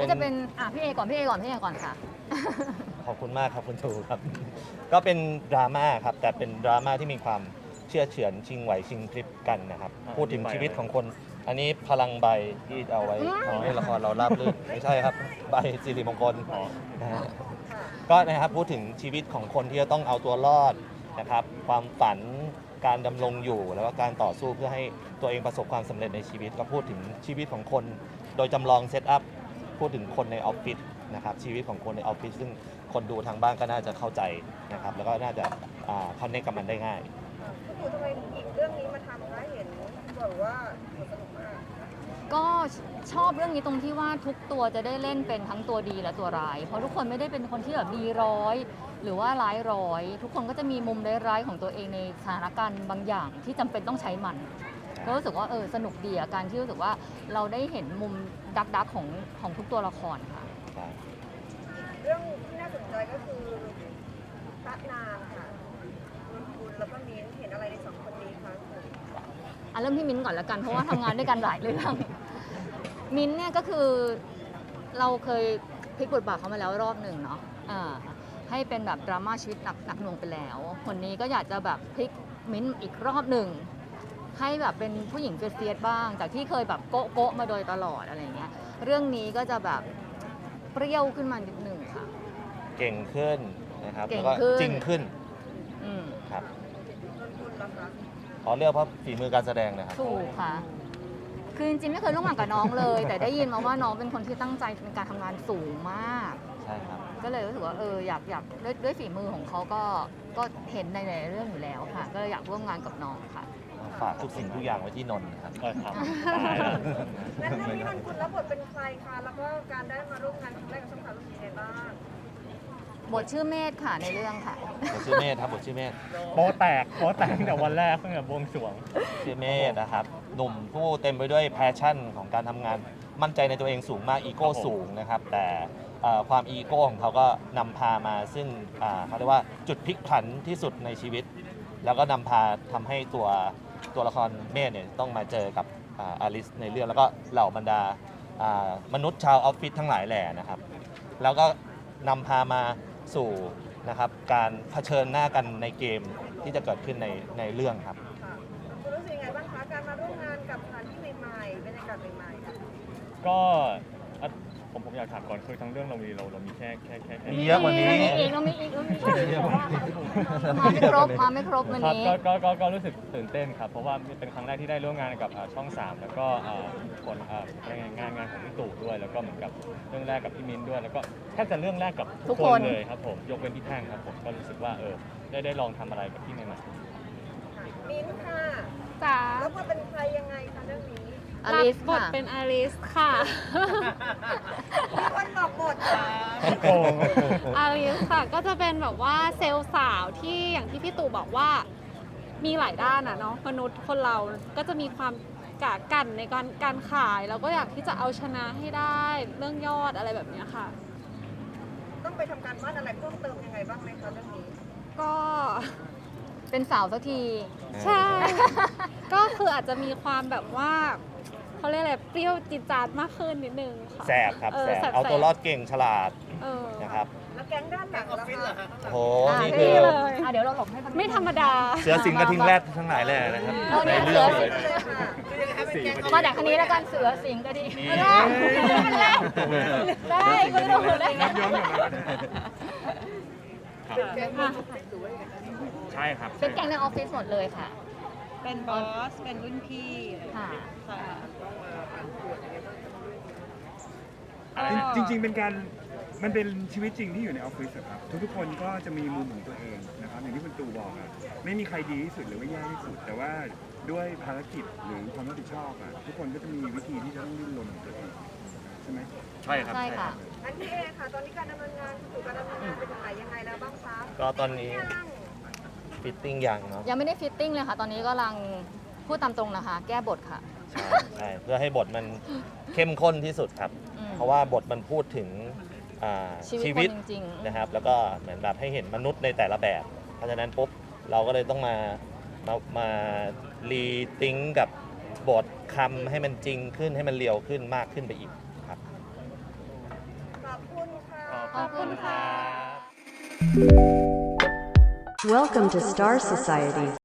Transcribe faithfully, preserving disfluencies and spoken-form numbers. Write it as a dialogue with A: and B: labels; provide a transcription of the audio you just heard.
A: ก็จะเป็นอ่ะพี่เอก่อนพี่เอก่อนพี่เอก่อนค่ะ
B: ขอบคุณมากครับคุณทูครับ ก็เป็นดราม่าครับแต่เป็นดราม่าที่มีความเชื่อเฉือนชิงไหวชิงคลิปกันนะครับพูดถึงชีวิตของคน อันนี้พลังใบที่เอาไว้ทำให้ละครเราราบรื่นไม่ใช่ครับใบสิริมงคลนะฮะก็นะครับพูดถึงชีวิตของคนที่จะต้องเอาตัวรอดนะครับความฝันการดำรงอยู่แล้วก็การต่อสู้เพื่อให้ตัวเองประสบความสำเร็จในชีวิตก็พูดถึงชีวิตของคนโดยจำลองเซตอัพพูดถึงคนในออฟฟิศนะครับชีวิตของคนในออฟฟิศซึ่งคนดูทางบ้านก็น่าจะเข้าใจนะครับแล้วก็น่าจะคอนเนคกับมันได้ง่าย
C: คุณปู่ทำไมหยิบเรื่องนี้มาทำคะเห็นบอกว่าสนุกมาก
A: ก็ชอบเรื่องนี้ตรงที่ว่าทุกตัวจะได้เล่นเป็นทั้งตัวดีและตัวร้ายเพราะทุกคนไม่ได้เป็นคนที่แบบดีร้อยหรือว่าร้ายร้อยทุกคนก็จะมีมุมร้ายๆของตัวเองในสถานการณ์บางอย่างที่จำเป็นต้องใช้มันก็รู้สึกว่าเออสนุกดีอะการที่รู้สึกว่าเราได้เห็นมุมดักดักของของทุกตัวละครค่ะ
C: เรื่องที่น่าสนใจก็คือพระนางค่ะคุณคุณแล้วก็มิ้นเห็นอะไรในสองคนนี้คะ
A: อ่ะเริ่มที่มิ้นก่อนละกันเพราะว่าทำงานด้วยกันหลายเรื่องมิ้นเนี่ยก็คือเราเคยพลิกบทบาทเขามาแล้วรอบหนึ่งเนาะอ่าให้เป็นแบบดราม่าชีวิตหนักหนักหน่วงไปแล้วคนนี้ก็อยากจะแบบพลิกมิ้นอีกรอบหนึ่งให้แบบเป็นผู้หญิงเฟียสๆบ้างจากที่เคยแบบโก๊ะโก๊ะมาโดยตลอดอะไรเงี้ยเรื่องนี้ก็จะแบบเปรี้ยวขึ้นมานิดหนึ่งค่ะ
B: เก่งขึ้นนะครับ
A: แล้ว
B: ก็จริงขึ้นครับ
C: คุณล่ะคะ
B: ขอเลือกเพราะฝีมือการแสดงนะครับ
A: ถูกค่ะคือจริงๆไม่เคยร่วมงานกับน้องเลยแต่ได้ยินมาว่าน้องเป็นคนที่ตั้งใจในการทำงานสูงมาก
B: ใช่ครับ
A: ก็เลยรู้สึกว่าเอออยากอยากด้วยด้วยฝีมือของเขาก็ก็เห็นในหลายเรื่องอยู่แล้วค่ะก็อยากร่วมงานกับน้องค่ะ
B: ฝากทุกสิ่งทุกอย่างไว้ที่นนท์ครับ
D: ก็ครับ
C: และเรื่องนี้มันคุณรับบทเป็นใครคะแล้วก็การได้มาร่วมงานครั้งแรกกับช่องสามรู้สึกยังไงบ้าง
A: บทชื่อเมธค่ะในเรื่องค่ะ
B: บทชื่อเมธครับบทชื่อเมธ
D: โป๊แตกโป๊แตกตั้งแต่วันแรกตั้งแต่บวงสรวง
B: ชื่อเมธนะครับหนุ่มผู้เต็มไปด้วยแพชชั่นของการทำงานมั่นใจในตัวเองสูงมากอีโก้สูงนะครับแต่ความอีโก้ของเขาก็นำพามาซึ่งเขาเรียกว่าจุดพลิกผันที่สุดในชีวิตแล้วก็นำพาทำให้ตัวตัวละครเมธเนี่ยต้องมาเจอกับอลิสในเรื่องแล้วก็เหล่าบรรดามนุษย์ชาวออฟฟิศทั้งหลายแหล่นะครับแล้วก็นำพามาสู่นะครับการเผชิญหน้ากันในเกมที่จะเกิดขึ้นในในเรื่องครับ
C: คุณรู้สึกยังไงบ้างคะการมาร่วมงานกับสถานที่ใหม่ๆบรรยากาศใหม่ๆ
D: ก็ผมผมอยากถามก่อนคือทั้งเรื่องเรามีเราเรามีแค่แค่แค่
B: มีเยอะกว่านี้
A: มีอีกเรามีอีกเรามีอีกมาไม่ครบมาไม่ครบวันนี้
D: ก็ก็ก็รู้สึกตื่นเต้นครับเพราะว่าเป็นครั้งแรกที่ได้ร่วมงานกับช่องสามแล้วก็คนงานงานของพี่ตู่ด้วยแล้วก็เหมือนกับเรื่องแรกกับพี่มิ้นด้วยแล้วก็แทบจะเรื่องแรกกับทุกคนเลยครับผมยกเว้นพี่แท่งครับผมก็รู้สึกว่าเออได้ได้ลองทำอะไรกับพี่ใหม่
C: ๆมิ้นค่ะ
E: จ๋า
C: แล้วมาเป็นใครยังไงคะเรื่องนี้
A: อลิส
E: บทเป็นอลิสค่ะ
C: มีคนบอกบท
E: อลิสค่ะก็จะเป็นแบบว่าเซลล์สาวที่อย่างที่พี่ตู่บอกว่ามีหลายด้านอะเนาะมนุษย์คนเราก็จะมีความกะกันในการการขายแล้วก็อยากที่จะเอาชนะให้ได้เรื่องยอดอะไรแบบนี้ค่ะ
C: ต้องไปทำการบ้านอะไรเพิ่มเติมยังไงบ้างไหมคะเรื่องนี้
E: ก็
A: เป็นสาวสักที
E: ใช่ก็คืออาจจะมีความแบบว่าเขาเรียกอะไรเปรี้ยวจิตจาดมากขึ้นนิดนึงค่ะ
B: แสบครับแสบเอาตัวรอดเก่งฉลาดนะครับ
C: แล้วแก๊งด้านหลังล่ะคะ
B: โอ้โหนี่คือ
A: เดี๋ยวเราหลบให้
E: ไม่ธรรมดา
B: เสือสิงกระทิงแรดทั้งหลายแหล่นะครับ
A: ในเรื่องมาจากคันนี้แล้วกันเสือสิงกระทิงได้ก็รู้ได้
D: ใช่ครับ
A: เป็นแก๊งในออฟฟิศหมดเลยค่ะ
C: เป็นบอสเป็นรุ่นพี่
A: ค่ะ
F: จริงๆเป็นการมันเป็นชีวิตจริงที่อยู่ในออฟฟิศครับทุกๆคนก็จะมีมุมของตัวเองนะครับอย่างที่คุณตู่บอกอ่ะไม่มีใครดีที่สุดหรือว่าแย่ที่สุดแต่ว่าด้วยภารกิจหรือความรับผิดชอบอ่ะทุกคนก็จะมีวิธีที่จะต้องดิ้นรนของตัวเองใช่ไหม
B: ใช่ครับ
A: ใช่ค่ะ
C: อันที่เอค่ะตอนนี้การดำเนินงานสู่การดำเนินงานเป็นยังไงยังไงแล้วบ้างคะ
B: ก็ตอนนี้ฟิตติ้งยังเนาะ
A: ยังไม่ได้ฟิตติ้งเลยค่ะตอนนี้กำลังพูดตามตรงนะคะแก้บทค่ะ
B: ใช่ใช่เพื่อให้บทมันเข้มข้นที่สุดครับเพราะว่าบทมันพูดถึง
A: ชีวิตจริง
B: ๆนะครับแล้วก็เหมือนแบบให้เห็นมนุษย์ในแต่ละแบบเพราะฉะนั้นปุ๊บเราก็เลยต้องมามามารีติ้งกับบทคำให้มันจริงขึ้นให้มันเรียวขึ้นมากขึ้นไปอีกครับ
A: ขอบคุณค่ะ
G: Welcome to Star Society.